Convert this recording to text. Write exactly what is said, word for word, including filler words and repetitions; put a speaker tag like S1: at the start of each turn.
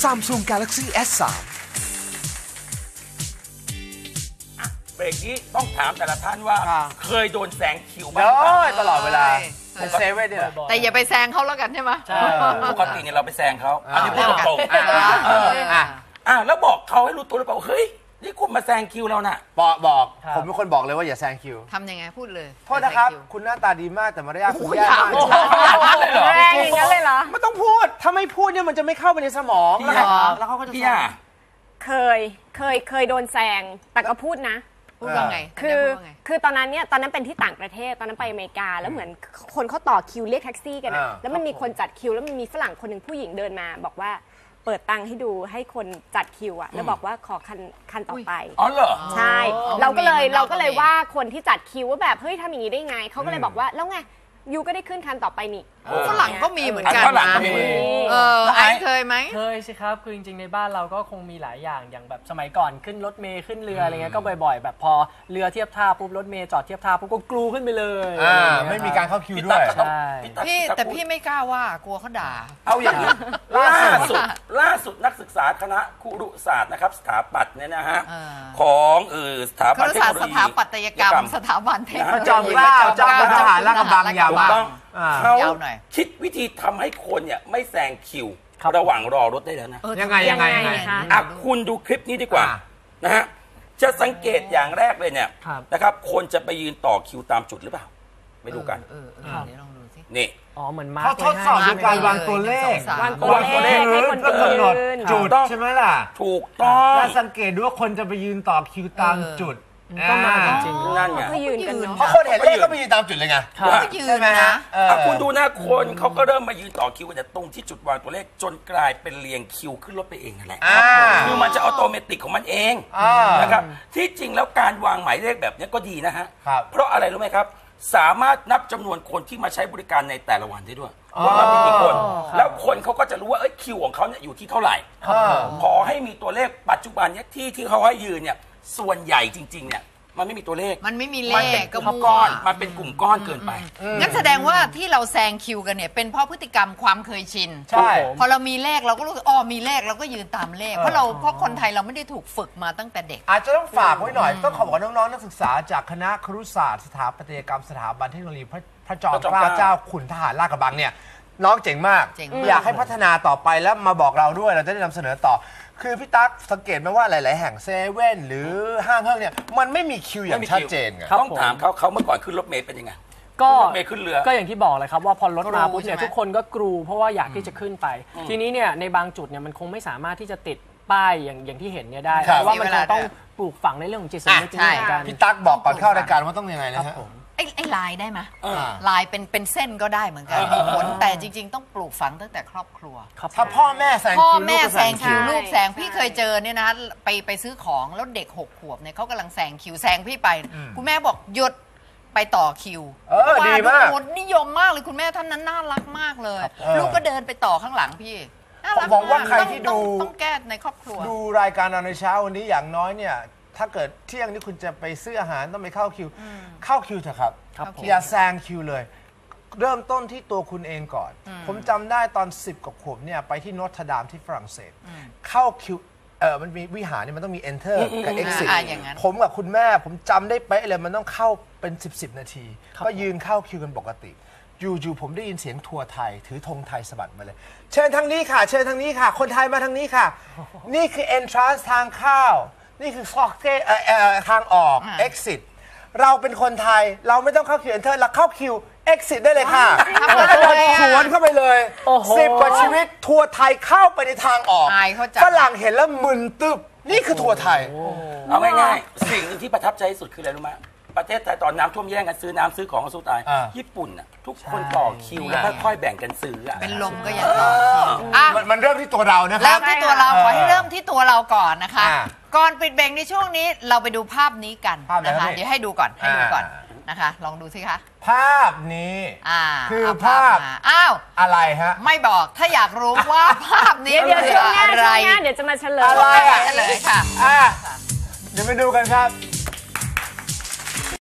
S1: Samsung Galaxy เอส ทรี
S2: เบรกนี้ต้องถามแต่ละท่านว่าเคยโดนแซงคิวบ้าง
S3: โอ้
S2: ไหม
S3: ยตลอดเวลาเป็นเซเว่นเนี่ย
S4: แต่อย่าไปแซงเขาแล้วกันใช่ไหม
S2: ปกติเนี่ยเราไปแซงเขาอันนี้พูดตรงๆอ่ะแล้วบอกเขาให้รู้ตัวหรือเปล่าเฮ้ยนี่คุณมาแซงคิวเราน่ะ
S3: บอกบอกผมเป็นคนบอกเลยว่าอย่าแซงคิว
S4: ทำยังไงพูดเลย
S3: โทษนะครับคุณหน้าตาดีมากแต่มารยาทคุณแย่มาก
S5: แรงอย่างนั้นเลยเหรอ
S3: ไม่ต้องพูดถ้าไม่พูดเนี่ยมันจะไม่เข้าไปในสมองแล้วเขาก็จะ
S5: เคยเคยเคยโดนแซงแต่ก็พูดนะ
S4: พูดว่าไง
S5: คือคือตอนนั้นเนี่ยตอนนั้นเป็นที่ต่างประเทศตอนนั้นไปอเมริกาแล้วเหมือนคนเขาต่อคิวเรียกแท็กซี่กันแล้วมันมีคนจัดคิวแล้วมันมีฝรั่งคนหนึ่งผู้หญิงเดินมาบอกว่าเปิดตังค์ให้ดูให้คนจัดคิวอะแล้วบอกว่าขอคันคันต่อไป
S2: อ๋อเหรอ
S5: ใช่เราก็เลยเราก็เลยว่าคนที่จัดคิวว่าแบบเฮ้ยทำอย่างนี้ได้ไงเขาก็เลยบอกว่าแล้วไงยูก็ได้ขึ้นคันต่อไปนี่
S4: ฝรั่งก็มีเหมือนกันนะเออไอ้เคยไหม
S6: เคยสิครับคือจริงๆในบ้านเราก็คงมีหลายอย่างอย่างแบบสมัยก่อนขึ้นรถเมล์ขึ้นเรืออะไรเงี้ยก็บ่อยๆแบบพอเรือเทียบท่าปุ๊บรถเมล์จอดเทียบท่าปุ๊บก็กลูขึ้นไปเลย
S3: ไม่มีการเข้าคิวด้วย
S4: พี่แต่พี่ไม่กล้าว่ากลัวเขาด่า
S2: เอาอย่างนี้ล่าสุดล่าสุดนักศึกษาคณะครุศาสตร์นะครับสถาปัตย์เนี่ยนะฮะของเออสถาปัตย์เทคโนโลยี
S4: สถาปัตยกรรมสถาบันเทคโนโลยี
S3: จอมเกล้าจอมทหารลาดกระบังยาว
S2: ต้องเขาคิดวิธีทำให้คนเนี่ยไม่แซงคิวระหว่างรอรถได้แล้วนะ
S3: ยังไงยังไง
S2: อ่ะคุณดูคลิปนี้ดีกว่านะฮะจะสังเกตอย่างแรกเลยเนี่ยนะครับคนจะไปยืนต่อคิวตามจุดหรือเปล่าไปดูกันนี่
S3: อ๋อเหมือนมาเขาทดสอบในการวางตัวเลข
S5: วางตัวเลขให้คน
S3: กำหนดจุดใช่ไหมล่ะ
S2: ถูกต้อง
S3: แล้วสังเกตดูว่าคนจะไปยืนต่อคิวตามจุด
S6: ก็มาจริง
S2: ๆนั่นไง
S5: เขายืนกันเนาะ
S3: เพราะคนเห็นเลขก็ไปยืนตามจุดเลยไง
S4: ใช่ไหมฮะ
S2: คุณดูนะคนเขาก็เริ่มมายืนต่อคิวกันตรงที่จุดวางตัวเลขจนกลายเป็นเรียงคิวขึ้นรถไปเองนั่นแหละคือมันจะออโตเมติกของมันเองนะครับที่จริงแล้วการวางหมายเลขแบบนี้ก็ดีนะฮะเพราะอะไรรู้ไหมครับสามารถนับจำนวนคนที่มาใช้บริการในแต่ละวันได้ด้วยว่ามันมีกี่คนแล้วคนเขาก็จะรู้ว่าเอ้ยคิวของเขาเนี่ยอยู่ที่เท่าไหร่พอให้มีตัวเลขปัจจุบันเนี่ยที่ที่เขาให้ยืนเนี่ยส่วนใหญ่จริงๆเนี่ยมันไม่มีตัวเลข
S4: มันไม่มีเลข
S2: ก็มั่วก้อนมันเป็นกลุ่มก้อนเกินไป
S4: งั้นแสดงว่าที่เราแซงคิวกันเนี่ยเป็นเพราะพฤติกรรมความเคยชิน
S3: ใช่
S4: พอเรามีเลขเราก็รู้อ๋อมีเลขเราก็ยืนตามเลขเพราะเราเพราะคนไทยเราไม่ได้ถูกฝึกมาตั้งแต่เด็ก
S3: อาจจะต้องฝากไว้หน่อยต้องขอบอกน้องๆนักศึกษาจากคณะครุศาสตร์สถาปัตยกรรมสถาบันเทคโนโลยีพระจอมเกล้าเจ้าขุนทหารลาดกระบังเนี่ยน้องเจ๋งมากอยากให้พัฒนาต่อไปแล้วมาบอกเราด้วยเราจะได้นำเสนอต่อคือพี่ตั๊กสังเกตไหมว่าหลายๆแห่งเซเว่นหรือห้างเฮิร์เนี่ยมันไม่มีคิวอย่างชัดเจนไง
S2: ต้องถามเขาเขาเมื่อก่อนขึ้นรถเมล์เป็นยังไง
S6: ก็
S2: เมล์ขึ้นเรือ
S6: ก็อย่างที่บอกเลยครับว่าพอรถมาปุ๊บเนี่ยทุกคนก็กรูเพราะว่าอยากที่จะขึ้นไปทีนี้เนี่ยในบางจุดเนี่ยมันคงไม่สามารถที่จะติดป้ายอย่างอย่างที่เห็นเนี่ยได้เพราะว่ามันต้องปลูกฝังในเรื่องของจิตสำนึกเหมือนกัน
S3: พี่ตั๊กบอกก่อนเข้ารายการว่าต้องยังไงนะฮะ
S4: ไอ้ไอ้ลายได้ไหมลายเป็นเป็นเส้นก็ได้เหมือนกันมีผลแต่จริงๆต้องปลูกฝังตั้งแต่ครอบครัว
S3: ถ้าพ่อแม่แซงคิว
S4: พ่อแม่แซงคิวลูกแซงพี่เคยเจอเนี่ยนะไปไปซื้อของแล้วเด็กหกขวบเนี่ยเขากำลังแซงคิวแซงพี่ไปคุณแม่บอกหยุดไปต่อคิว
S3: ดีมาก
S4: นิยมมากเลยคุณแม่ท่านนั้นน่ารักมากเลยลูกก็เดินไปต่อข้างหลังพี่
S3: ผมบอกว่าใครที่ดู
S4: ต้องแก้ในครอบครัว
S3: ดูรายการเราในเช้าวันนี้อย่างน้อยเนี่ยถ้าเกิดเที่ยงนี้คุณจะไปซื้ออาหารต้องไปเข้าคิวเข้าคิวเถอะครับอย่าแซงคิวเลยเริ่มต้นที่ตัวคุณเองก่อนผมจำได้ตอนสิบกว่าขวบเนี่ยไปที่นอตรดามที่ฝรั่งเศสเข้าคิวเออมันมีวิหารนี่มันต้องมี enter กับ exit ผมกับคุณแม่ผมจำได้เป๊ะเลยมันต้องเข้าเป็นสิบสิบนาทีก็ยืนเข้าคิวกันปกติอยู่ๆผมได้ยินเสียงทัวร์ไทยถือธงไทยสะบัดมาเลยเชิญทางนี้ค่ะเชิญทางนี้ค่ะคนไทยมาทางนี้ค่ะนี่คือ entrance ทางเข้านี่คือฟอกเก้ทางออก exit เราเป็นคนไทยเราไม่ต้องเข้าคิว enter เราเข้าคิว exit ได้เลยค่ะแล้วก็เดินสวนเข้าไปเลยสิบกว่าชีวิตทัวร์ไทยเข้าไปในทางออกฝรั่งเห็นแล้วมึนตึบนี่คือทัวร์ไทย
S2: เอาง่ายๆสิ่งที่ประทับใจที่สุดคืออะไรรู้ไหมประเทศไทยตอนน้ำท่วมแย่งกันซื้อน้ำซื้อของกันสู้ตายญี่ปุ่นน่ะทุกคนต่อคิวแล้วค่อยๆแบ่งกันซื้อ
S4: เป็นลมก็ยังต่อคิว
S3: มันเริ่มที่ตัวเรานะครับ
S4: เริ่มที่ตัวเราขอให้เริ่มที่ตัวเราก่อนนะคะก่อนปิดเบรกในช่วงนี้เราไปดูภาพนี้กันนะคะเดี๋ยวให้ดูก่อนให้ดูก่อนนะคะลองดูสิคะ
S3: ภาพนี้คือภาพ
S4: อ้าว
S3: อะไรฮะ
S4: ไม่บอกถ้าอยากรู้ว่าภาพนี้
S5: เดี๋ยวช่วงหน้าช่วงหน้าเดี๋ยวจะมาเฉลย
S4: อะไรเฉลยค่ะ
S3: เดี๋ยวไปดูกันครับ